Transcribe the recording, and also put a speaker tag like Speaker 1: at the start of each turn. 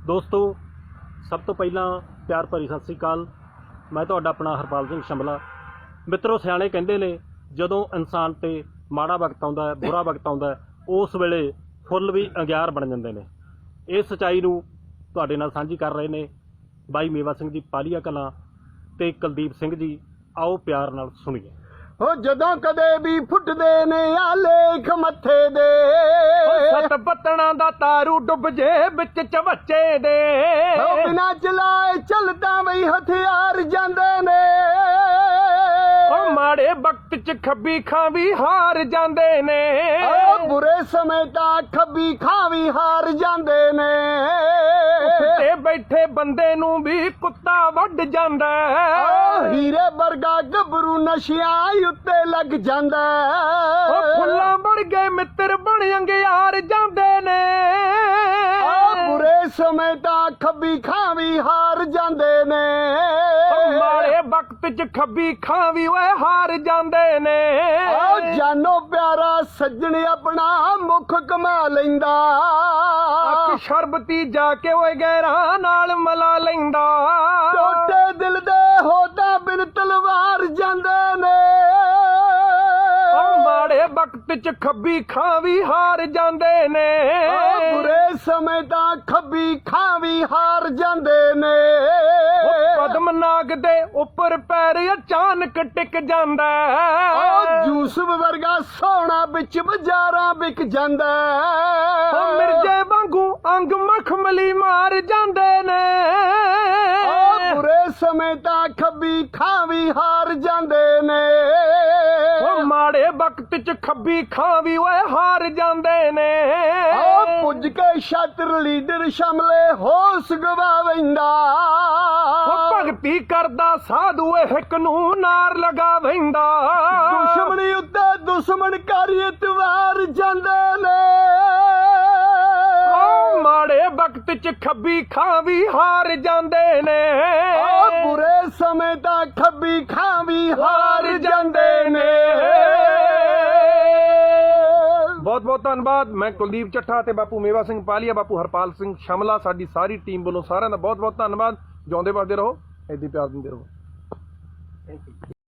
Speaker 1: ਦੋਸਤੋ ਸਭ ਤੋਂ ਪਹਿਲਾਂ ਪਿਆਰ ਭਰੀ ਸਤਿ ਸ੍ਰੀ ਅਕਾਲ। ਮੈਂ ਤੁਹਾਡਾ ਆਪਣਾ ਹਰਪਾਲ ਸਿੰਘ ਸ਼ਮਲਾ। ਮਿੱਤਰੋ, ਸਿਆਣੇ ਕਹਿੰਦੇ ਨੇ ਜਦੋਂ ਇਨਸਾਨ ਤੇ ਮਾੜਾ ਵਕਤ ਆਉਂਦਾ ਹੈ, ਬੁਰਾ ਵਕਤ ਆਉਂਦਾ ਹੈ, ਉਸ ਵੇਲੇ ਫੁੱਲ ਵੀ ਅੰਗਿਆਰ ਬਣ ਜਾਂਦੇ ਨੇ। ਇਹ ਸੱਚਾਈ ਨੂੰ ਤੁਹਾਡੇ ਨਾਲ ਸਾਂਝੀ ਕਰ ਰਹੇ ਨੇ ਬਾਈ ਮੇਵਾ ਸਿੰਘ ਜੀ ਪਾਲੀਆ ਕਲਾਂ ਤੇ ਕੁਲਦੀਪ ਸਿੰਘ ਜੀ। ਆਓ ਪਿਆਰ ਨਾਲ ਸੁਣੀਏ।
Speaker 2: ਹੋ ਜਦੋਂ ਕਦੇ ਵੀ ਫੁੱਟਦੇ ਨੇ ਆ ਲੇਖ ਮੱਥੇ ਦੇ,
Speaker 3: ਸੱਤ ਪੱਤਣਾ ਦਾ ਤਾਰੂ ਡੁੱਬ ਜੇ ਵਿੱਚ ਚਵੱਚੇ ਦੇ।
Speaker 2: ਬਿਨਾਂ ਚਲਾਏ ਚੱਲਦਾ ਬਈ ਹਥਿਆਰ ਜਾਂਦੇ ਨੇ।
Speaker 3: ਉਹ ਮਾੜੇ ਵਕਤ ਚ ਖੱਬੀ ਖਾਂ ਵੀ ਹਾਰ ਜਾਂਦੇ ਨੇ।
Speaker 2: ਬੁਰੇ ਸਮੇਂ ਤਾਂ ਖੱਬੀ ਖਾਂ ਵੀ ਹਾਰ ਜਾਂਦੇ ਨੇ।
Speaker 3: ਤੇ ਬੈਠੇ ਬੰਦੇ ਨੂੰ ਵੀ ਕੁੱਤਾ ਵੱਢ ਜਾਂਦਾ।
Speaker 2: ਹੀਰੇ ਵਰਗਾ ਗੱਭਰੂ ਨਸ਼ਿਆਂ ਉੱਤੇ ਲੱਗ ਜਾਂਦਾ।
Speaker 3: ਉਹ ਫੁੱਲਾਂ ਬਣ ਗਏ ਮਿੱਤਰ ਬਣ ਅੰਗਿਆਰ ਜਾਂਦੇ ਨੇ।
Speaker 2: ਬੁਰੇ ਸਮੇਂ ਤਾਂ ਖੱਬੀ ਖਾਂ ਵੀ ਹਾਰ ਜਾਂਦੇ ਨੇ।
Speaker 3: ਮਾੜੇ ਵਕਤ ਚ ਖੱਬੀ ਖਾਂ ਵੀ ਓਏ ਹਾਰ ਜਾਂਦੇ ਨੇ।
Speaker 2: ਜਾਨੋ ਪਿਆਰਾ ਸੱਜਣ ਆਪਣਾ ਮੁਖ ਕਮਾ ਲੈਂਦਾ।
Speaker 3: ਅੱਖ ਸ਼ਰਬਤੀ ਜਾ ਕੇ ਓਏ ਗੈਰਾਂ ਨਾਲ ਮਲਾ ਲੈਂਦਾ।
Speaker 2: ਟੋਟੇ ਦਿਲ ਦੇ ਹੋਦਾ ਬਿਨ ਤਲਵਾਰ ਜਾਂਦੇ ਨੇ।
Speaker 3: ਮਾੜੇ ਵਕਤ ਚ ਖੱਬੀ ਖਾਂ ਵੀ ਹਾਰ ਜਾਂਦੇ ਨੇ।
Speaker 2: ਬੁਰੇ ਸਮੇਂ ਤਾਂ ਖੱਬੀ ਖਾਂ ਵੀ ਹਾਰ ਜਾਂਦੇ ਨੇ।
Speaker 3: ਪਦਮਨਾਗ ਦੇ ਉੱਪਰ ਪੈਰ ਅਚਾਨਕ ਟਿਕ ਜਾਂਦਾ।
Speaker 2: ਯੂਸਫ ਵਰਗਾ ਸੋਹਣਾ ਵਿੱਚ ਬਾਜ਼ਾਰਾਂ ਵਿਕ ਜਾਂਦਾ।
Speaker 3: ਮਿਰਜੇ ਵਾਂਗੂ ਅੰਗ ਮਖਮਲੀ ਮਾਰ ਜਾਂਦੇ ਨੇ।
Speaker 2: ਬੁਰੇ ਸਮੇਂ ਤਾਂ ਖੱਬੀ ਖਾਂ ਵੀ ਹਾਰ ਜਾਂਦੇ ਨੇ।
Speaker 3: ਮਾੜੇ ਵਕਤ ਚ ਖੱਬੀ ਖਾਂ ਵੀ ਓਏ ਹਾਰ ਜਾਂਦੇ ਨੇ।
Speaker 2: ਪੁੱਜ ਕੇ ਛਾਤਰ ਲੀਡਰ ਸ਼ਮਲੇ ਹੋਸ਼ ਗਵਾ ਵੈਂਦਾ।
Speaker 3: ਭਗਤੀ ਕਰਦਾ ਸਾਧੂ ਹਿੱਕ ਨੂੰ ਨਾਰ ਲਗਾ ਵੈਂਦਾ।
Speaker 2: ਦੁਸ਼ਮਣੀ ਉੱਤੇ ਦੁਸ਼ਮਣ ਕਰ ਇਤਵਾਰ ਜਾਂਦੇ ਨੇ।
Speaker 3: ਮਾੜੇ ਵਕਤ ਚ ਖੱਬੀ ਖਾਂ ਵੀ ਹਾਰ ਜਾਂਦੇ ਨੇ।
Speaker 2: ਬੁਰੇ ਸਮੇਂ ਤਾਂ ਖੱਬੀ ਖਾਂ ਵੀ ਹਾਰ ਜਾਂਦੇ ਨੇ।
Speaker 3: ਬਹੁਤ ਬਹੁਤ ਧੰਨਵਾਦ। ਮੈਂ ਕੁਲਦੀਪ ਚੱਠਾ ਤੇ ਬਾਪੂ ਮੇਵਾ ਸਿੰਘ ਪਾਲੀਆ, ਬਾਪੂ ਹਰਪਾਲ ਸਿੰਘ ਸ਼ਮਲਾ, ਸਾਡੀ ਸਾਰੀ ਟੀਮ ਵੱਲੋਂ ਸਾਰਿਆਂ ਦਾ ਬਹੁਤ ਬਹੁਤ ਧੰਨਵਾਦ। ਜਿਉਂਦੇ ਵਸਦੇ ਰਹੋ, ਏਦਾਂ ਪਿਆਰ ਦਿੰਦੇ ਰਹੋ।